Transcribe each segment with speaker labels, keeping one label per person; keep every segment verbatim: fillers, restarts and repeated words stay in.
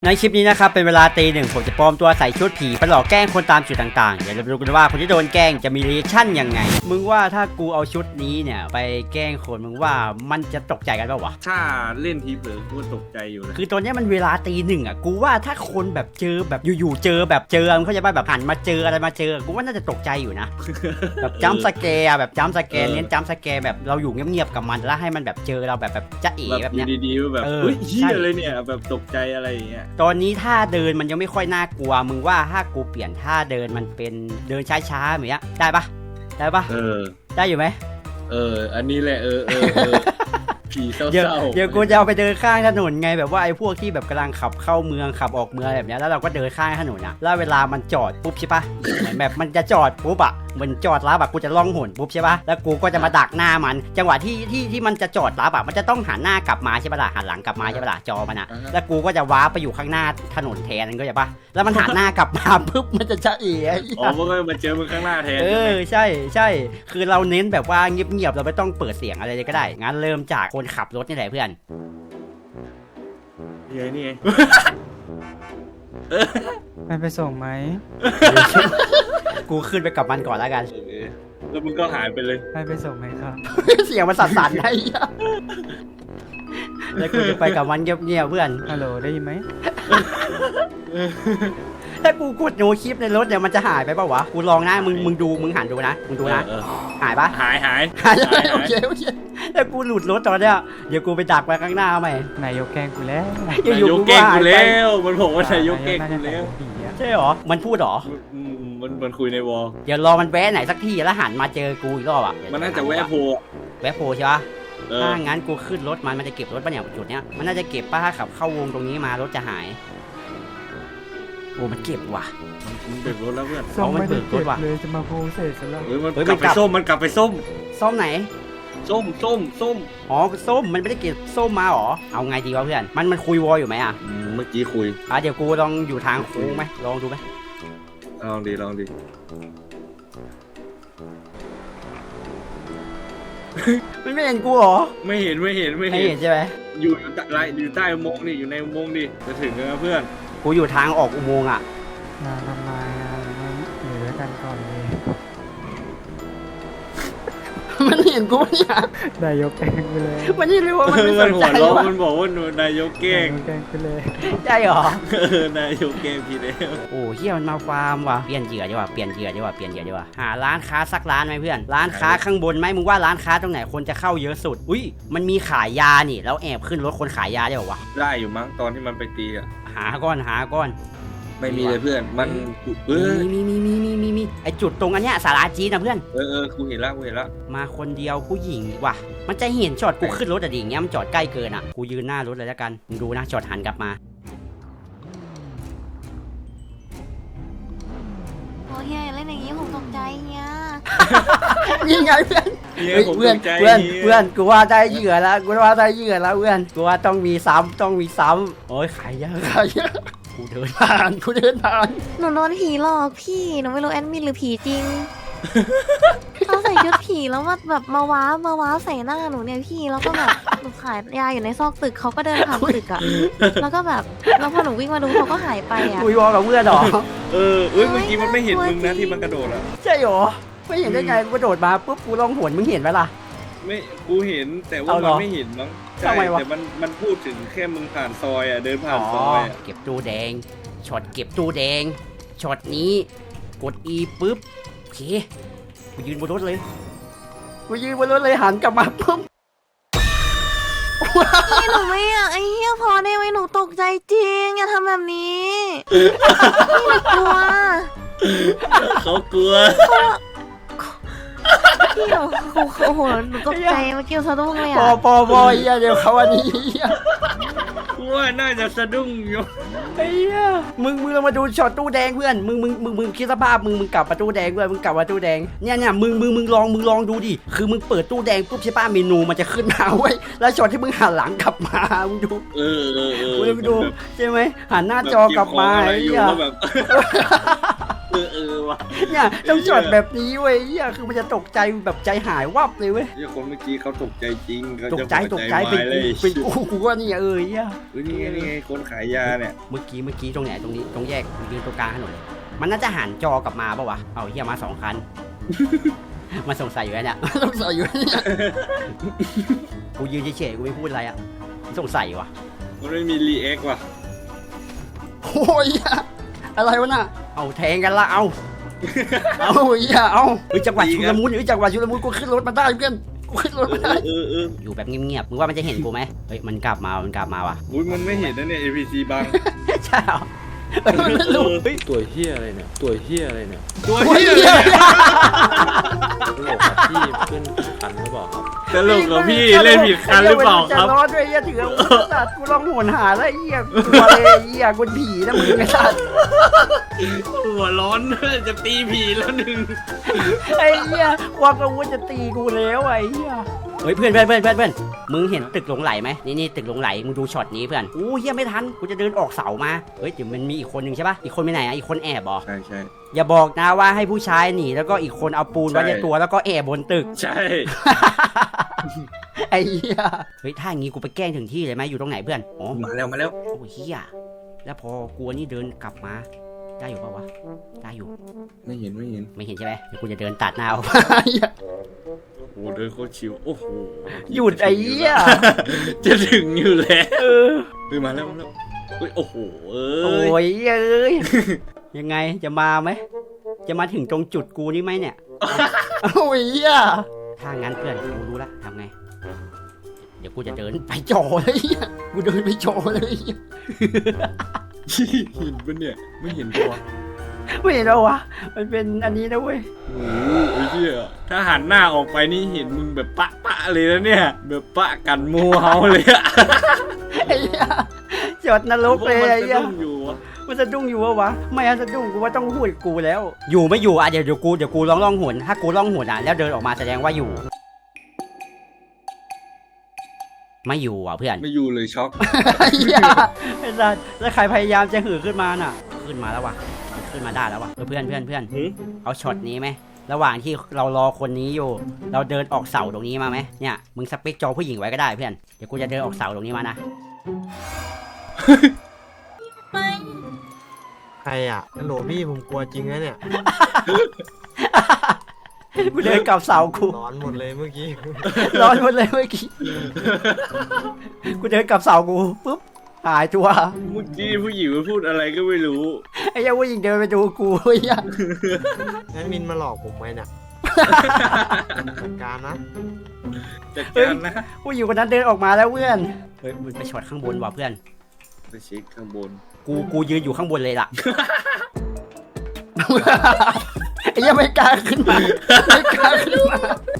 Speaker 1: ในคลิปนี้นะครับเป็นเวลาตีหนึ่งผมจะปลอมตัวใส่ชุดผีไปหลอกแกล้งคนตามจุดต่างๆเดี๋ยวเราดูกันว่าคนที่โดนแกล้งจะมีรีแอคชั่นยังไงมึงว่าถ้ากูเอาชุดนี้เนี่ยไปแกล้งคนมึงว่ามันจะตกใจกันเปล่าวะ
Speaker 2: ถ้าเล่นทีเผลอกูตกใจอยู่นะ
Speaker 1: คือตอนนี้มันเวลาตีหนึ่งอ่ะกูว่าถ้าคนแบบเจอแบบอยู่ๆเจอแบบเจอมึงเข้าใจป่ะแบบหันมาเจออะไรมาเจอกูว่าน่าจะตกใจอยู่นะ แบบจัมป์สแกร์แบบจัมป์สแกร์เน้นจัมป์สแกร์แบบเราอยู่เงียบๆกับมันแล้วให้มันแบบเจอเราแบบแบบจะเอ๋แบบเนี้ย
Speaker 2: ดีๆแบบเฮ้ยเฮียอะไรเนี่ยแบบตกใจอะไรอย่างเงี้ย
Speaker 1: ตอนนี้ท่าเดินมันยังไม่ค่อยน่ากลัวมึงว่าถ้ากูเปลี่ยนท่าเดินมันเป็นเดินช้าๆแบบเนี้ยได้ปะได้ปะ
Speaker 2: เออ
Speaker 1: ได้อยู่ไหม
Speaker 2: เอออันนี้แหละเออเออเออผีเศร้าๆ
Speaker 1: เดี๋ยวเดี๋ยวกูจะเอาไปเดินข้างถนนไงแบบว่าไอ้พวกที่แบบกำลังขับเข้าเมืองขับออกเมืองแบบเนี้ยแล้วเราก็เดินข้างถนนนะแล้วเวลามันจอดปุ๊บใช่ปะเหมือนแบบมันจะจอดปุ๊บอะเหมือนจอดรับอะกูจะล่องหนปุ๊บใช่ปะแล้วกูก็จะมาดักหน้ามันจังหวะที่ที่ที่มันจะจอดรับอะมันจะต้องหันหน้ากลับมาใช่ปะล่ะหันหลังกลับมาใช่ปะล่ะจอมันอะแล้วกูก็จะว้าไปอยู่ข้างหน้าถนนแทนก็ใช่ปะแล้วมันหันหน้ากลับมาปุ๊บมันจะจะเอ๋
Speaker 2: อ๋อมันก็มาเจอมึงข้างหน้าแทน
Speaker 1: เออใช่ใช่คือเราเน้นแบบว่าเงียบๆเราไม่ต้องเปิดเสียงอะไรเลยก็ได้งั้นเริ่มจากคนขับรถนี่แหละเพื่อน
Speaker 2: นี่ไงนี่ไง
Speaker 3: มันไปส่งไหม
Speaker 1: กูขึ้นไปกับมันก่อนแล้วกัน
Speaker 2: แล้วมึงก็หายไปเลย
Speaker 3: ไปไปส่งไหมครับ
Speaker 1: เสียงมันสั่นๆไอ้แล้วกูจะไปกับมันเงียบๆเพื่อน
Speaker 3: ฮัลโหลได้ยินไหม
Speaker 1: ถ้ากูกดโนคลิปในรถเนี่ยมันจะหายไปป่าวะกูลองนะมึงมึงดูมึงหันดูนะมึงดูนะหายปะ
Speaker 2: หายหาย
Speaker 1: หายโอเคโอเคถ้ากูหลุดรถตอนเนี้ยเดี๋ยวกูไปดักไปข้างหน้าไหม
Speaker 3: นายกแกล้งกูแล้ว
Speaker 2: นายกแกล้งกูแล้วมันบอกว่านายกแกล้งกูแล้ว
Speaker 1: ใช่หรอมันพูดหรอ
Speaker 2: มันมันคุยในวอล
Speaker 1: เดี๋ยวรอมันแวะไหนสักที่แล้วหันมาเจอกูอีกรอบอ่ะ
Speaker 2: มันน่าจะแวะโพ
Speaker 1: แวะโพใช่ปะถ้างั้นกูขึ้นรถมันมันจะเก็บรถป่ะเนี่ยจุดเนี้ยมันน่าจะเก็บป่ะถ้าขับเข้าวงตรงนี้มารถจะหายโอ้มันเก็บว่ะ
Speaker 2: มันเบิกรถแล้วเพื่อน
Speaker 1: เขามันเบิกรถว่ะ
Speaker 3: เลยจะมาโพสเสร็จแล้ว
Speaker 2: เฮ้ยมันกลับไปส้มมันกลับไปส้ม
Speaker 1: ส้มไหน
Speaker 2: ส้มส้มส้ม
Speaker 1: อ๋อส้มมันไม่ได้เก็บส้มมาหรอเอาไงดีวะเพื่อนมันมันคุยวออยู่ไหมอ่ะ
Speaker 2: เมื่อกี้คุย
Speaker 1: อ่ะเดี๋ยวกูลองอยู่ทางโค้งไหมลองดูไหม
Speaker 2: ลองดีลองดี
Speaker 1: มันไม่เห็นกูหรอ
Speaker 2: ไม่เห็นไม่เห็นไม่
Speaker 1: เห็นใช่ไหม
Speaker 2: อยู่อยู่ใต้อยู่ใต้อุโมงค์นี่อยู่ในอุโมงค์ดิจะถึงแล้วเพื่อน
Speaker 1: กูอยู่ทางออกอุโมงค์อ่ะ
Speaker 3: งานทำไมอ่ะอยู่ด้วยกันก่อนเลย
Speaker 1: มันเห็นกูเนี่ย
Speaker 3: นายกแกล้งไปเลย
Speaker 1: มันนี่รู้ว่ามันไม่สนใจ
Speaker 2: ว่ะมันบอกว่านายกแกล้ง
Speaker 3: แกล้งไปเลย
Speaker 1: ใช่หรอ
Speaker 2: เออนายกแกล้งพี่แล้ว
Speaker 1: โอ้เฮียมันมาฟาร์มว่ะเปลี่ยนเหยื่อดีกว่าเปลี่ยนเหยื่อดีกว่าเปลี่ยนเหยื่อดีกว่าหาร้านค้าสักร้านไหมเพื่อนร้านค้าข้างบนไหมมึงว่าร้านค้าตรงไหนคนจะเข้าเยอะสุดอุ้ยมันมีขายยานี่แล้วแอบขึ้นรถคนขายยาได้หรอวะ
Speaker 2: ได้อยู่มั้งตอนที่มันไปตีอ่ะ
Speaker 1: หาก้อนหาก้อน
Speaker 2: ไม่มีเลยเพื่อนมัน
Speaker 1: เออมีมีมีมีมีมีไอจุดตรงอันเนี้ยสาราจีนนะเพื่อน
Speaker 2: เออเออกูเห็นแล้วกูเห็นแล้ว
Speaker 1: มาคนเดียวผู้หญิงว่ะมันจะเห็นจอดกูขึ้นรถอะดิอย่างเงี้ยมันจอดใกล้เกินอ่ะกูยืนหน้ารถเลยแล้วกันมึงดูนะจอดหันกลับมา
Speaker 4: โอ้เฮียเล่นอย่างนี้ผมตกใจเฮีย
Speaker 1: นี่ไงเพื่อนเพื่อนเพื่อนเพื่อนกูว่าได้เหยื่อแล้วกูว่าได้เหยื่อแล้วเพื่อนกูว่าต้องมีซ้ำต้องมีซ้ำโอ้ยขายเยอะขายเยอะกูเดินผ่านกูเดินผ่าน
Speaker 4: หนูโดนผีหลอกพี่หนูไม่รู้แอดมินหรือผีจริงเขาใส่ชุดผีแล้วมาแบบมาว้ามาว้าใส่หน้าหนูเนี่ยพี่แล้วก็แบบหนูขายยาอยู่ในซอกตึกเขาก็เดินผ่านตึกอะแล้วก็แบบแล้วพอหนูวิ่งมาดูเขาก็หายไปอะ
Speaker 1: คุยวอกับเพื่อนหรอ
Speaker 2: เออเอ้ยเมื่อกี้มันไม่เห็นมึงนะที่มันกระโดดอะ
Speaker 1: ใช่หรอไม่เห็นได้ไงกูกระโดดมาปุ๊บกูลองหวนมึงเห็นไหมล่ะ
Speaker 2: ไม่กูเห็นแต่ว่ามันไม่เห็นมั้งใช่แต่มันมันพูดถึงแค่มึงผ่านซอยอ่ะเดินผ่านซอย
Speaker 1: เก็บตู้แดงช็อตเก็บตู้แดงช็อตนี้กด E ปุ๊บโอเคกูยืนบนรถเลยกูยืนบนรถเลยหันกลับมาปุ๊บ
Speaker 4: พี่หนูไม่อยากไอ้เหี้ยพอได้ไหมหนูตกใจจริงอย่าทำแบบนี้พี่หนูกลัว
Speaker 2: เขากลัว
Speaker 4: พี่หนูโอ้โหหนูตกใจเมื่อกี้สะดุ้งเลยอ่ะ
Speaker 1: ปอปอปอเฮียเดี๋ยวเขาวันนี้
Speaker 2: ว่าน่าจะสะดุ้งอยู่
Speaker 1: ไอ้เหี้ยมึงมึงเรามาดูช็อตตู้แดงเพื่อนมึงมึงมึงมึงคิดสภาพมึงมึงกลับมาตู้แดงเพื่อนมึงกลับมาตู้แดงเนี่ยเนี่ยมึงมึงมึงลองมึงลองดูดิคือมึงเปิดตู้แดงปุ๊บใช่ป่ะเมนูมันจะขึ้นมาเว้ยแล้วช็อตที่มึงหันหลังกลับมามึงดู
Speaker 2: เออเออเออ
Speaker 1: มึงดูใช่ไหมหันหน้าจอกลับมาไอ้เหี้ย
Speaker 2: เออเออว่ะ
Speaker 1: เนี่ยต้องจอดแบบนี้เว้ยเฮียคือมันจะตกใจแบบใจหายวับเลยเว้ย
Speaker 2: เฮียคนเมื่อกี้เขาตกใจจริงเขา
Speaker 1: ตก
Speaker 2: จะ
Speaker 1: ใจตกใจเป็น
Speaker 2: หัว
Speaker 1: กู
Speaker 2: วาย
Speaker 1: เป็น
Speaker 2: เลย
Speaker 1: กูกูว่านี่เออเฮีย
Speaker 2: เฮ้ยนี่ไงนี่ไงคนขายยาเนี่ย
Speaker 1: เมื่อกี้เมื่อกี้ตรงไหนตรงนี้ตรงแยกยืนตรงกลางถนนเลยมันน่าจะหันจอกลับมาปะวะเอาเฮียมาสองคัน มันสงสัยอยู่แล้วเนี่ย สงสัยอยู่เนี่ยกูยืนเฉยๆกูไม่พูดอะไรอ่ะสงสัยวะ
Speaker 2: มันไม่มีรีแอคว่ะ
Speaker 1: โอ้ยอะไรวะน่ะเอาแทงกันละเอา เอาเฮียเอาเฮ้ยจังหวะชุลมุนเฮ้ยจังหวะชุลมุนกูขึ้นรถมาได้เพื่อนกูขึ้นรถมาได้
Speaker 2: เออเออ
Speaker 1: อยู่แบบเงียบๆมึงว่ามันจะเห็นกูไหมเฮ้ยมันกลับมามันกลับมาว่ะ
Speaker 2: อุ้ยมันไม่เห็นนะเนี่ย เอ พี ซี บัง
Speaker 1: ใช่เหรอเฮ้ยมันไม่รู้เฮ้ย
Speaker 5: ตัวเฮียอะไรเนี่ย ตัวเฮียอะไรเนี่ย
Speaker 2: ตัว
Speaker 1: โอ้ย
Speaker 2: เฮี
Speaker 1: เหี้
Speaker 2: ย
Speaker 1: ย
Speaker 5: ตลกครับพี่ขึ้นคันหรือเปล่าครับ
Speaker 2: ตลกเหรอพี่เล่นผิดคันหรือเปล่าครับ
Speaker 1: จะรอดด้วยเฮียถืออาวุธสัตว์กูลองโหนหาแล้วเฮียกลัวเลยเฮียกูผีนะมึงไอ้สัตว์
Speaker 2: หัวร้อนจะตีผีแล้วหนึ่ง
Speaker 1: ไอ้เฮียควางอาวุธจะตีกูแล้วไอ้เฮียเฮ้ยเพื่อนเพื่อนเพื่อนเพื่อนเพื่อนมึงเห็นตึกหลงไหลไหมนี่นี่ตึกหลงไหลมึงดูช็อตนี้เพื่อนอู้เฮียไม่ทันกูจะเดินออกเสามาเฮ้ยเดี๋ยวมันมีอีกคนหนึ่งใช่ปะอีกคนไปไหนอ่ะอีกคนแอบเหรอ
Speaker 2: ใช่ใช่
Speaker 1: อย่าบอกนะว่าให้ผู้ชายหนีแล้วก็อีกคนเอาปูนไว้
Speaker 2: ใช่
Speaker 1: ในตัวแล้วก็แอบบนตึก
Speaker 2: ใช่
Speaker 1: ไอ้เหี้ยเฮ้ยถ้าอย่างงี้กูไปแกล้งถึงที่เลยไหมอยู่ตรงไหนเพื่อนอ๋อ
Speaker 2: มาแล้วมาแล้ว
Speaker 1: โอ้เหี้ยแล้วพอกลัวนี่เดินกลับมาได้อยู่ปะวะได้อยู่
Speaker 2: ไม่เห็นไม่เห็น
Speaker 1: ไม่เห็นใช่ไหมเดี๋ยวกูจะเดินตัดหน้าออกมา
Speaker 2: โอ้เดินโคตรชิวโอ้โห
Speaker 1: หยุดไอ้เหี้ย
Speaker 2: จะถึงอยู่แล้ว
Speaker 1: เออ
Speaker 2: เฮ้ยมาแล้วมาแล้วเฮ้ยโอ้โหเอ
Speaker 1: โอ้
Speaker 2: ้ย
Speaker 1: ยเอ้ยยังไงจะมาไหมจะมาถึงตรงจุดกูนี่ไหมเนี่ยโอ้ยเหี้ยถ้างั้นเพื่อนกูรู้ละทำไงเดี๋ยวกูจะเดินไปจ่อเลยเหี้ยกูเดินไปจ่อเลยเหี้ย
Speaker 2: เห็นปะเนี่ยไม่เห็นตัว
Speaker 1: ไม่เห็นแล้ววะมันเป็นอันนี้นะเว้ย
Speaker 2: โอ้โหไอ้เหี้ยถ้าหันหน้าออกไปนี่เห็นมึงแบบปะปะเลยนะเนี่ยแบบปะกันหมูเฮาเลยอะ
Speaker 1: ไอ้เหี้ยจอดนรกเลย
Speaker 2: มัน
Speaker 1: ไอ้
Speaker 2: จะ
Speaker 1: เหี้ย
Speaker 2: ต้องอยู่วะ
Speaker 1: มันสะดุ้งอยู่วะวะไม่อะสะดุ้งกูว่าต้องพูดกับกูแล้ว อยู่ไม่อยู่อ่ะเดี๋ยวเดี๋ยวกูเดี๋ยวกูลองล่องหนถ้ากูล่องหนอ่ะแล้วเดินออกมาแสดงว่าอยู่ ไม่อยู่อ่ะเพื่อน
Speaker 2: ไม่อยู่เลยช็อก
Speaker 1: ไอ้เหี้ยไอ้สัสแล้วใครพยายามจะหือขึ้นมาน่ะ ขึ้นมาแล้ววะขึ้นมาได้แล้ววะเออเพื่อนเพื่อนเพื่อนเอาช็อตนี้ไหมระหว่างที่เรารอคนนี้อยู่ เราเดินออกเสาตรงนี้มาไหมเนี่ยมึงสเปคจอผู้หญิงไว้ก็ได้เพื่อนเดี๋ยวกูจะเดินออกเสาตรงนี้มานะ
Speaker 3: ใครอ่ะฮัลโหลพี่ผมกลัวจริงนะเนี่ย
Speaker 1: กูเดินกลับเสากู
Speaker 3: ร้อนหมดเลยเมื่อกี้
Speaker 1: ร้อนหมดเลยเมื่อกี้กูเดินกลับเสากูปุ๊บหายตัว
Speaker 2: เมื่อกี้ผู้หญิงมาพูดอะไรก็ไม่รู้
Speaker 1: ไอ้เหี้ยังผู้หญิงเดินไปดูกูไอ้เหี้ย
Speaker 3: แอดมินมาหลอกผมไว้เนี่ยจัดการนะ
Speaker 2: จัดการนะ
Speaker 1: ผู้หญิงคนนั้นเดินออกมาแล้วเพื่อนเฮ้ยมันไปช็อตข้างบนว่ะเพื่อน
Speaker 2: ไปเช็คข้างบน
Speaker 1: กูกูยืนอยู่ข้างบนเลยล่ะ ไอ้เหี้ยังไม่กล้าขึ้นมาไม่กล้าขึ้นมา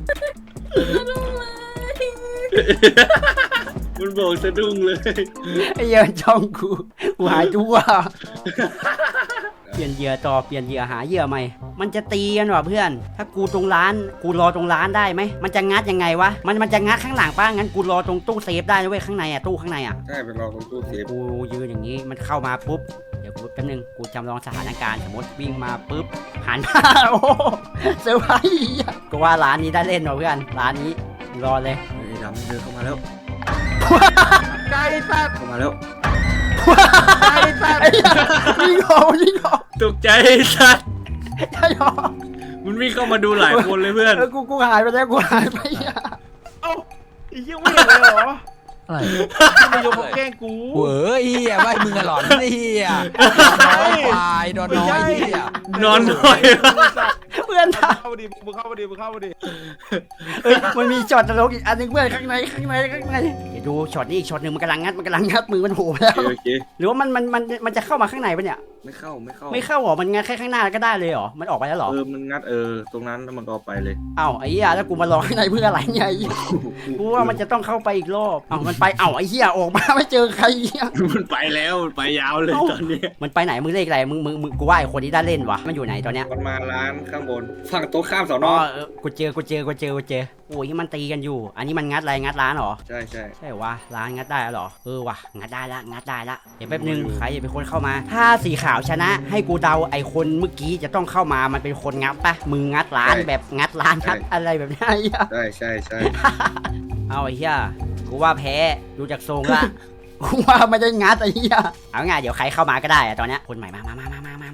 Speaker 2: มันบอกสะดุ้งเลย
Speaker 1: ไอ้เหี้ยังจ้องกูกูหายตัวเปลี่ยนเหยื่อต่อเปลี่ยนเหยื่อหาเหยื่อใหม่มันจะตีกันว่ะเพื่อน ถ้ากูตรงร้านกูรอตรงร้านได้ไหมมันจะงัดยังไงวะมันมันจะงัดข้างหลังป้างั้นกูรอตรงตู้เซฟได้นะเว้ยข้างในอ่ะตู้ข้างในอ่ะ
Speaker 2: ใช่ไปรอตรงตู้เซฟ
Speaker 1: กูยืนอย่างนี้มันเข้ามาปุ๊บเดี๋ยวกูแป๊บนึงกูจำลองสถานการณ์สมมติวิ่งมาปุ๊บหันมา โอ้โหเซอร์ไพรส์อะก็ว่าร้านนี้ได้เล่นว่ะเพื่อนร้านนี้รอเลย
Speaker 2: ไอ้ดำเดินเข้ามาแล้ว
Speaker 3: ไก่สัตว์
Speaker 2: เข้ามาแล้ว
Speaker 3: ไก่สัตว์
Speaker 1: ไอ้เหี้ยวิ่งออกวิ่งออก
Speaker 2: ตกใจไอ้สัส
Speaker 1: ใช่หรอ
Speaker 2: มันวิ่งเข้ามาดูหลายคนเลยเพื่อน
Speaker 1: เออกูกูหายไปแล้วกูหายไปอ่ะ
Speaker 2: ไอ้เหี้ยวิ่งเลยเหรอ
Speaker 6: อะไร
Speaker 2: ไม่ยกมาแกล้งกู
Speaker 6: เว้ยเฮียไม่มึงอะหลอนไอ้เฮียน้อยควายดอนน้อยเฮีย
Speaker 2: นอนหน่อย
Speaker 1: เพื่อนถาม
Speaker 7: เข้ามาดิมึงเข้ามาดิมึงเข้ามาดิ
Speaker 1: เอ้ยมันมีช็อตตลกอีกอันหนึงเพื่อนข้างในข้างในข้างในเดี๋ยวดูช็อตนี้อีกช็อตหนึ่งมันกำลังงัดมันกำลังงัดมือมันโผล่ไปแล้ว
Speaker 2: โอเค
Speaker 1: หรือว่ามันมันมันมันจะเข้ามาข้างในปะเนี่ย
Speaker 2: ไม่เข้าไม่เข้า
Speaker 1: ไม่เข้าหรอมันงัดแค่ข้างหน้าก็ได้เลยเหรอมันออกไปแล้วเหรอ
Speaker 2: เออมันงัดเออตรงนั้นแล้วมันก็เอาไปเลย
Speaker 1: เอ้าไอ้เหี้ยแล้วกูมารอข้างในเพื่ออะไรเนี่ยไอ้เหี้ยกูว่ามันจะต้องเข้าไปอีกรอบเอ้ามันไปเอ้าไอ้เหี้ยออกมาไม่เจอใครเหี้ย
Speaker 2: มันไปแล้วมันไปยาวเลยตอนนี้
Speaker 1: มันไปไหนมึงเลขอะไรมึงมึงมึงกูว่าไอ้คนที่ได้เล่นวะมันอยู่ไหนตอนเนี้ย
Speaker 2: มันมาร้านข้างบนคนฝั่งโต๊ะข้ามสอน
Speaker 1: อ๋
Speaker 2: อ
Speaker 1: อเออกูเจอกูเจอกูเจอกูเจอโอ้ยมันตีกันอยู่ อันนี้มันงัดอะไรงัดร้านเหรอ
Speaker 2: ใช่ใช่
Speaker 1: ใช่วะร้านงัดได้แล้วเหรอเออวะงัดได้ละงัดได้ละเดี๋ยวแป๊บนึงใครจะเป็นคนเข้ามา ถ้าสีขาวชนะ ให้กูเดาไอคนเมื่อกี้จะต้องเข้ามามันเป็นคนงัดปะมึงงัดร้านแบบงัดร้านงัดอะไรแบบนี้ไอ้เหี้ย
Speaker 2: ใช่ใช่ใช่
Speaker 1: เอาไอ้เหี้ยกูว่าแพ้ดูจากทรงละ กูว่าไม่ได้งัดไอ้เหี้ยเอาไงเดี๋ยวใครเข้ามาก็ได้อะตอนเนี้ยคนใหม่มามามามามามามา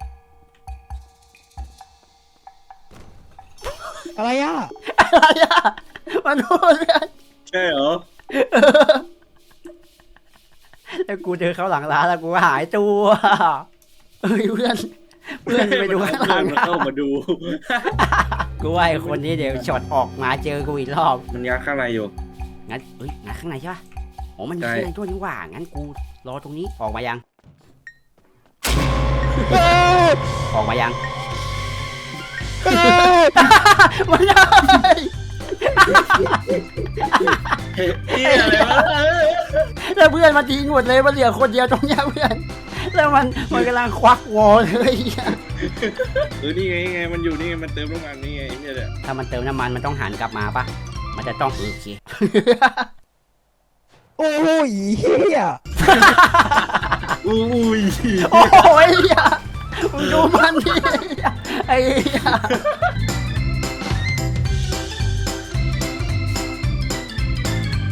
Speaker 3: อะไรอ่ะ
Speaker 1: อะไรอะมันพูดเลย
Speaker 2: ใช่เหรอ
Speaker 1: แล้วกูเดินเข้าหลังร้านแล้วกูหายตัวเอ้ยเพื่อนเพื่อนไปดูข้างหลัง
Speaker 2: มันเข้ามาดู
Speaker 1: กูว่าไอ้คนนี้เดี๋ยวช็อตออกมาเจอกูอีกรอบ
Speaker 2: มันยักข้างในอยู่
Speaker 1: งั้นเอ้ยงั้นข้างในใช่ปะโอ้มันมี
Speaker 2: ใช่
Speaker 1: ข้างในด้วยนี่หว่างั้นกูรอตรงนี้ออกมายัง ออกมายัง มันได้
Speaker 2: เฮ้ยอะไรวะ
Speaker 1: แล้วเพื่อนมาทิ้งหมดเลยมันเหลือคนเดียวตรงเนี้ยเพื่อนแล้วมันมันกำลังควักวอลเลย
Speaker 2: เออนี่ไงนี่ไงมันอยู่นี่ไงมันเติมน้ำมันนี่ไงเนี่ยแหละ
Speaker 1: ถ้ามันเติมน้ำมันมันต้องหันกลับมาปะมันจะต้องโอเค
Speaker 3: โอ้ยเฮีย
Speaker 2: อุ้ย
Speaker 1: โอ้ยมึงดูมันดิไอ้เหี้ย